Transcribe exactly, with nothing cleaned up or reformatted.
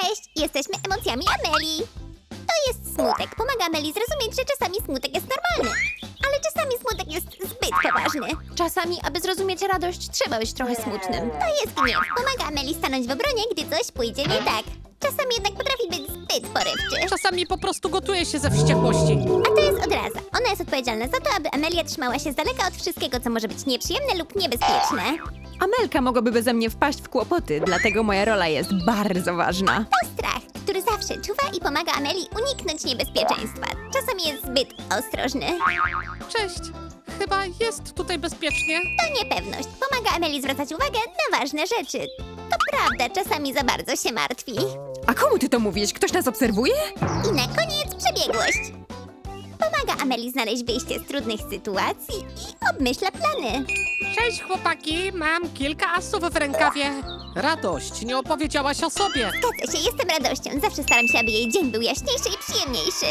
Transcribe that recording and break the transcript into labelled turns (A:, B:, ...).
A: Cześć! Jesteśmy emocjami Ameli. To jest smutek. Pomaga Ameli zrozumieć, że czasami smutek jest normalny. Ale czasami smutek jest zbyt poważny.
B: Czasami, aby zrozumieć radość, trzeba być trochę smutnym.
A: To jest gniew. Pomaga Ameli stanąć w obronie, gdy coś pójdzie nie tak. Czasami jednak potrafi być zbyt porywczy.
C: Czasami po prostu gotuje się ze wściekłości.
A: A to jest odraza. Ona jest odpowiedzialna za to, aby Amelia trzymała się z daleka od wszystkiego, co może być nieprzyjemne lub niebezpieczne.
B: Amelka mogłaby beze mnie wpaść w kłopoty, dlatego moja rola jest bardzo ważna.
A: To strach, który zawsze czuwa i pomaga Ameli uniknąć niebezpieczeństwa. Czasami jest zbyt ostrożny.
C: Cześć. Chyba jest tutaj bezpiecznie.
A: To niepewność. Pomaga Ameli zwracać uwagę na ważne rzeczy. To prawda, czasami za bardzo się martwi.
B: A komu ty to mówisz? Ktoś nas obserwuje?
A: I na koniec przebiegłość. Pomaga Ameli znaleźć wyjście z trudnych sytuacji i obmyśla plany.
C: Cześć chłopaki, mam kilka asów w rękawie. Radość, nie opowiedziałaś o sobie.
A: Zgadza się, jestem radością. Zawsze staram się, aby jej dzień był jaśniejszy i przyjemniejszy.